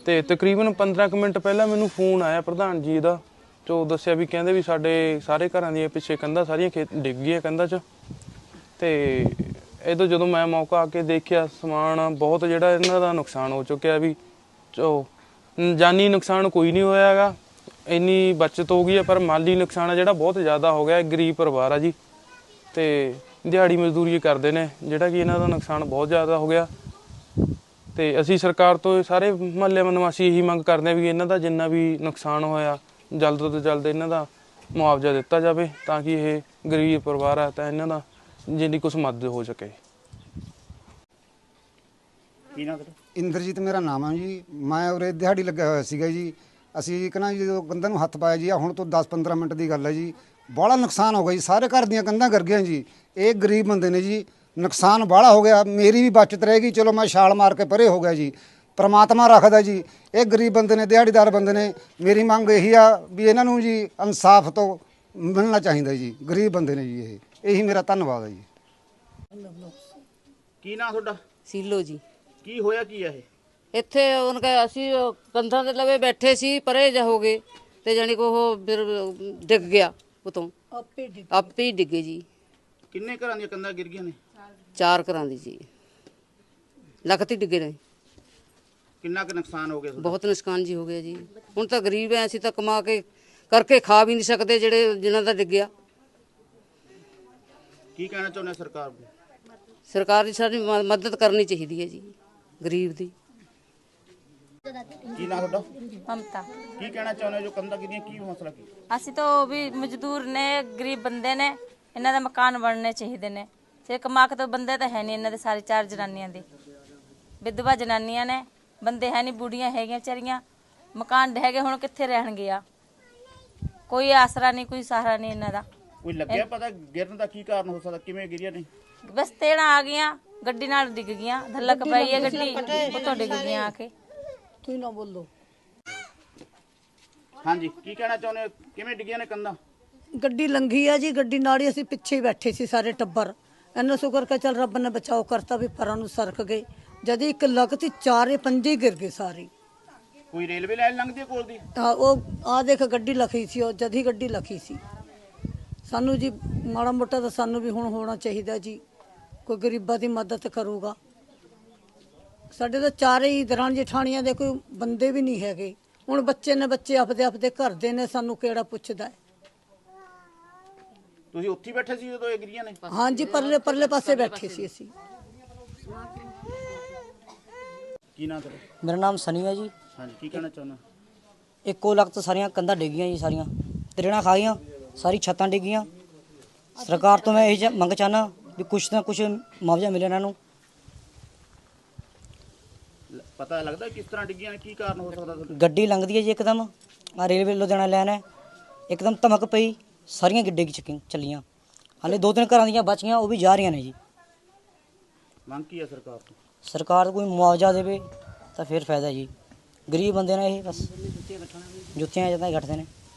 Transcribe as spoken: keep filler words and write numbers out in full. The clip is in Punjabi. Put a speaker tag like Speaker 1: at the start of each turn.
Speaker 1: ਤੇ ਤਕਰੀਬਨ ਪੰਦਰਾਂ ਕੁ ਮਿੰਟ ਪਹਿਲਾਂ ਮੈਨੂੰ ਫੋਨ ਆਇਆ ਪ੍ਰਧਾਨ ਜੀ ਦਾ, ਜੋ ਦੱਸਿਆ ਵੀ ਕਹਿੰਦੇ ਵੀ ਸਾਡੇ ਸਾਰੇ ਘਰਾਂ ਦੀਆਂ ਪਿੱਛੇ ਕੰਧਾਂ ਸਾਰੀਆਂ ਖੇਤ ਡਿੱਗ ਗਈਆਂ ਕੰਧਾਂ 'ਚ। ਤੇ ਇਹਦੋਂ ਜਦੋਂ ਮੈਂ ਮੌਕਾ ਆ ਕੇ ਦੇਖਿਆ, ਸਮਾਨ ਬਹੁਤ ਜਿਹੜਾ ਇਹਨਾਂ ਦਾ ਨੁਕਸਾਨ ਹੋ ਚੁੱਕਿਆ, ਵੀ ਚੋ ਜਾਨੀ ਨੁਕਸਾਨ ਕੋਈ ਨਹੀਂ ਹੋਇਆ ਹੈਗਾ, ਇੰਨੀ ਬਚਤ ਹੋ ਗਈ ਹੈ, ਪਰ ਮਾਲੀ ਨੁਕਸਾਨ ਹੈ ਜਿਹੜਾ ਬਹੁਤ ਜ਼ਿਆਦਾ ਹੋ ਗਿਆ। ਗਰੀਬ ਪਰਿਵਾਰ ਆ ਜੀ, ਤੇ ਦਿਹਾੜੀ ਮਜ਼ਦੂਰੀ ਕਰਦੇ ਨੇ, ਜਿਹੜਾ ਕਿ ਇਹਨਾਂ ਦਾ ਨੁਕਸਾਨ ਬਹੁਤ ਜ਼ਿਆਦਾ ਹੋ ਗਿਆ। ਤੇ ਅਸੀਂ ਸਰਕਾਰ ਤੋਂ ਸਾਰੇ ਮੁਹੱਲੇ ਨਿਵਾਸੀ ਇਹੀ ਮੰਗ ਕਰਦੇ ਹਾਂ ਵੀ ਇਹਨਾਂ ਦਾ ਜਿੰਨਾ ਵੀ ਨੁਕਸਾਨ ਹੋਇਆ ਜਲਦ ਤੋਂ ਜਲਦ ਇਹਨਾਂ ਦਾ ਮੁਆਵਜ਼ਾ ਦਿੱਤਾ ਜਾਵੇ, ਤਾਂ ਕਿ ਇਹ ਗਰੀਬ ਪਰਿਵਾਰ ਆ ਤਾਂ ਇਹਨਾਂ ਦਾ ਜਿੰਨੀ ਕੁਛ ਮਦਦ ਹੋ ਸਕੇ।
Speaker 2: ਕੀ ਨਾਮ?
Speaker 3: ਇੰਦਰਜੀਤ ਮੇਰਾ ਨਾਮ ਹੈ ਜੀ। ਮੈਂ ਉਰੇ ਦਿਹਾੜੀ ਲੱਗਿਆ ਹੋਇਆ ਸੀਗਾ ਜੀ। ਅਸੀਂ ਕਹਿੰਦਾ ਜੀ ਜਦੋਂ ਕੰਧਾਂ ਨੂੰ ਹੱਥ ਪਾਇਆ ਜੀ, ਹੁਣ ਤੋਂ ਦਸ ਪੰਦਰਾਂ ਮਿੰਟ ਦੀ ਗੱਲ ਹੈ ਜੀ, ਬਾਹਲਾ ਨੁਕਸਾਨ ਹੋ ਗਿਆ ਜੀ। ਸਾਰੇ ਘਰ ਦੀਆਂ ਕੰਧਾਂ ਗਿਰ ਗਈਆਂ ਜੀ। ਇਹ ਗਰੀਬ ਬੰਦੇ ਨੇ ਜੀ, ਨੁਕਸਾਨ ਬਾਹਲਾ ਹੋ ਗਿਆ। ਮੇਰੀ ਵੀ ਬਚਤ ਰਹੇਗੀ, ਚਲੋ ਮੈਂ ਛਾਲ ਮਾਰ ਕੇ ਪਰੇ ਹੋ ਗਿਆ ਜੀ। ਪ੍ਰਮਾਤਮਾ ਰੱਖਦਾ ਜੀ। ਇਹ ਗਰੀਬ ਬੰਦੇ ਨੇ, ਦਿਹਾੜੀਦਾਰ ਬੰਦੇ ਨੇ। ਮੇਰੀ ਮੰਗ ਇਹੀ ਆ ਵੀ ਇਹਨਾਂ ਨੂੰ ਜੀ ਇਨਸਾਫ ਤੋਂ ਮਿਲਣਾ ਚਾਹੀਦਾ ਜੀ। ਗਰੀਬ ਬੰਦੇ ਨੇ ਜੀ ਇਹ। ਇਹੀ ਮੇਰਾ ਧੰਨਵਾਦ ਹੈ ਜੀ।
Speaker 2: ਕੀ ਨਾਮ ਤੁਹਾਡਾ?
Speaker 4: ਸੀਲੋ ਜੀ।
Speaker 2: ਕੀ ਹੋਇਆ ਕੀ ਹੈ ਇਹ?
Speaker 4: ਇੱਥੇ ਉਹਨਾਂ ਕਹੇ ਅਸੀਂ ਕੰਧਾਂ ਦੇ ਲਵੇ ਬੈਠੇ ਸੀ, ਪਰੇ ਜਾ ਹੋ ਗਏ ਤੇ ਜਾਨੀ ਕੋ ਉਹ ਫਿਰ ਡਿੱਗ ਗਿਆ ਉਤੋਂ, ਆਪੇ ਹੀ ਡਿੱਗੇ ਜੀ।
Speaker 2: ਕਿੰਨੇ ਘਰਾਂ ਦੀਆਂ ਕੰਧਾਂ ਗਿਰ ਗਈਆਂ ਨੇ?
Speaker 4: ਚਾਰ ਘਰਾਂ ਦੀ ਜੀ, ਲਖਤ ਹੀ ਡਿੱਗੇ ਨੇ।
Speaker 2: ਕਿੰਨਾ ਕੁ ਨੁਕਸਾਨ ਹੋ ਗਿਆ ਤੁਹਾਡਾ?
Speaker 4: ਬਹੁਤ ਨੁਕਸਾਨ ਜੀ ਹੋ ਗਿਆ ਜੀ। ਹੁਣ ਤਾਂ ਗਰੀਬ ਐ, ਅਸੀਂ ਤਾਂ ਕਮਾ ਕੇ ਕਰਕੇ ਖਾ ਵੀ ਨਹੀਂ ਸਕਦੇ, ਜਿਹੜੇ ਜਿਨ੍ਹਾਂ ਦਾ ਡਿੱਗਿਆ।
Speaker 2: ਕੀ ਕਹਿਣਾ ਚਾਹੁੰਦੇ ਸਰਕਾਰ ਨੂੰ?
Speaker 4: ਸਰਕਾਰ ਦੀ ਸਾਡੀ ਮ- ਮਦਦ ਕਰਨੀ ਚਾਹੀਦੀ ਹੈ ਜੀ ਗਰੀਬ ਦੀ।
Speaker 2: ਕੀ ਨਾਮ ਤੁਹਾਡਾ?
Speaker 5: ममता।
Speaker 2: ਕੀ ਕਹਿਣਾ ਚਾਹੁੰਦੇ ਜੋ ਕੰਧਾਂ ਗਿਰੀਆਂ, ਕੀ ਮਸਲਾ ਕੀ?
Speaker 5: ਅਸੀਂ ਤਾਂ ਉਹ ਵੀ ਮਜ਼ਦੂਰ ਨੇ, ਗਰੀਬ ਬੰਦੇ ਨੇ, ਇਹਨਾਂ ਦੇ ਮਕਾਨ ਬਣਨੇ ਚਾਹੀਦੇ ਨੇ। ਸਿਰ ਕਮਾ ਕੇ ਤਾਂ ਬੰਦੇ ਤਾਂ ਹੈ ਨਹੀਂ ਇਹਨਾਂ ਦੇ, ਸਾਰੇ ਚਾਰ ਜਨਾਨੀਆਂ ਦੇ ਵਿਧਵਾ ਜਨਾਨੀਆਂ ਨੇ, ਬੰਦੇ ਹੈ ਨਹੀਂ, ਬੁੜੀਆਂ ਹੈਗੀਆਂ ਵਿਚਾਰੀਆਂ, ਮਕਾਨ ਹੈਗੇ, ਹੁਣ ਕਿੱਥੇ ਰਹਿਣਗੇ ਆ? ਕੋਈ ਆਸਰਾ ਨਹੀਂ, ਕੋਈ ਸਹਾਰਾ ਨਹੀਂ ਇਹਨਾਂ ਦਾ।
Speaker 2: ਕੋਈ ਲੱਗਿਆ ਪਤਾ ਗਿਰਨ ਦਾ ਕੀ ਕਾਰਨ ਹੋ ਸਕਦਾ, ਕਿਵੇਂ ਗਿਰੀਆਂ ਨੇ?
Speaker 5: ਬਸ ਤੇੜਾ ਆ ਗਈਆਂ, ਗੱਡੀ ਨਾਲ ਡਿੱਗ ਗਈਆਂ, ਧੱਲਕ ਪਈ ਹੈ ਗੱਡੀ, ਉੱਤੋਂ ਡਿੱਗ ਗਈਆਂ ਆ ਕੇ।
Speaker 4: ਤੁਸੀਂ ਨਾ ਬੋਲੋ।
Speaker 2: ਹਾਂਜੀ, ਕੀ ਕਹਿਣਾ ਚਾਹੁੰਦੇ ਹੋ? ਕਿਵੇਂ ਡਿੱਗੀਆਂ ਨੇ ਕੰਧਾਂ?
Speaker 6: ਗੱਡੀ ਲੰਘੀ ਆ ਜੀ, ਗੱਡੀ ਨਾਲ ਹੀ ਅਸੀਂ ਪਿੱਛੇ ਹੀ ਬੈਠੇ ਸੀ ਸਾਰੇ ਟੱਬਰ। ਇੰਨਾ ਸ਼ੁਕਰ ਕਰ ਚੱਲ ਰੱਬ ਨੇ ਬਚਾਓ ਕਰਤਾ ਵੀ ਪਰਾਂ ਨੂੰ ਸਰਕ ਗਏ। ਜਦ ਇੱਕ ਲਗਤੀ ਚਾਰੇ ਪੰਜੇ ਗਿਰ ਗਏ ਸਾਰੇ।
Speaker 2: ਕੋਈ ਰੇਲਵੇ ਲਾਈਨ ਲੰਘਦੀ ਹੈ ਕੋਲ ਦੀ?
Speaker 6: ਆ ਉਹ ਆ ਦੇਖ ਗੱਡੀ ਲਖੀ ਸੀ, ਉਹ ਜਦ ਹੀ ਗੱਡੀ ਲਖੀ ਸੀ। ਸਾਨੂੰ ਜੀ ਮਾੜਾ ਮੋਟਾ ਤਾਂ ਸਾਨੂੰ ਵੀ ਹੁਣ ਹੋਣਾ ਚਾਹੀਦਾ ਜੀ, ਕੋਈ ਗਰੀਬਾਂ ਦੀ ਮਦਦ ਕਰੂਗਾ। ਸਾਡੇ ਤਾਂ ਚਾਰੇ ਹੀ ਦਰਾਂ ਜਠਾਣੀਆਂ ਦੇ ਕੋਈ ਬੰਦੇ ਵੀ ਨਹੀਂ ਹੈਗੇ। ਹੁਣ ਬੱਚੇ ਨੇ, ਬੱਚੇ ਆਪਦੇ ਆਪਦੇ ਘਰ ਦੇ ਨੇ, ਸਾਨੂੰ ਕਿਹੜਾ ਪੁੱਛਦਾ ਹੈ?
Speaker 2: ਤੁਸੀਂ ਉੱਥੇ ਹੀ ਬੈਠੇ ਸੀ ਜਦੋਂ ਇਹ ਗਿਰੀਆਂ ਨੇ?
Speaker 6: ਹਾਂਜੀ, ਪਰਲੇ ਪਰਲੇ ਪਾਸੇ ਬੈਠੇ ਸੀ ਅਸੀਂ।
Speaker 2: ਕੀ ਨਾਮ ਤੁਹਾਡਾ?
Speaker 7: ਮੇਰਾ ਨਾਮ ਸਨੀ ਹੈ ਜੀ।
Speaker 2: ਹਾਂਜੀ, ਕੀ ਕਹਿਣਾ ਚਾਹੁੰਦੇ?
Speaker 7: ਇੱਕੋ ਲਖਤ ਸਾਰੀਆਂ ਕੰਧਾਂ ਡਿੱਗੀਆਂ ਜੀ, ਸਾਰੀਆਂ ਤਰੇੜਾਂ ਖਾ ਗਈਆਂ, ਸਾਰੀ ਛੱਤਾਂ ਡਿੱਗੀਆਂ। ਸਰਕਾਰ ਤੋਂ ਮੈਂ ਇਹ ਜਿਹਾ ਮੰਗ ਚਾਹੁੰਦਾ ਵੀ ਕੁਛ ਨਾ ਕੁਛ ਮੁਆਵਜ਼ਾ ਮਿਲੇ ਇਹਨਾਂ ਨੂੰ।
Speaker 2: ਪਤਾ ਲੱਗਦਾ ਕਿਸ ਤਰ੍ਹਾਂ ਡਿੱਗੀਆਂ ਨੇ, ਕੀ ਕਾਰਨ ਹੋ ਸਕਦਾ ਤੁਹਾਡਾ?
Speaker 7: ਗੱਡੀ ਲੰਘਦੀ ਹੈ ਜੀ ਇੱਕਦਮ, ਆ ਰੇਲਵੇ ਲੁਧਿਆਣਾ ਲਾਈਨ ਹੈ, ਇੱਕਦਮ ਧਮਕ ਪਈ, ਸਾਰੀਆਂ ਗੱਡੇ ਕੀ ਚੱਕੀ ਚੱਲੀਆਂ। ਹਾਲੇ ਦੋ ਤਿੰਨ ਘਰਾਂ ਦੀਆਂ ਬਚੀਆਂ, ਉਹ ਵੀ ਜਾ ਰਹੀਆਂ ਨੇ ਜੀ।
Speaker 2: ਮੰਗ ਕੀ ਹੈ ਸਰਕਾਰ ਤੋਂ?
Speaker 7: ਸਰਕਾਰ ਕੋਈ ਮੁਆਵਜ਼ਾ ਦੇਵੇ ਤਾਂ ਫਿਰ ਫਾਇਦਾ ਜੀ। ਗਰੀਬ ਬੰਦੇ ਨੇ ਇਹ, ਬਸ ਜੁੱਤੀਆਂ ਜਦਾਂ ਹੀ ਘਟਦੇ ਨੇ।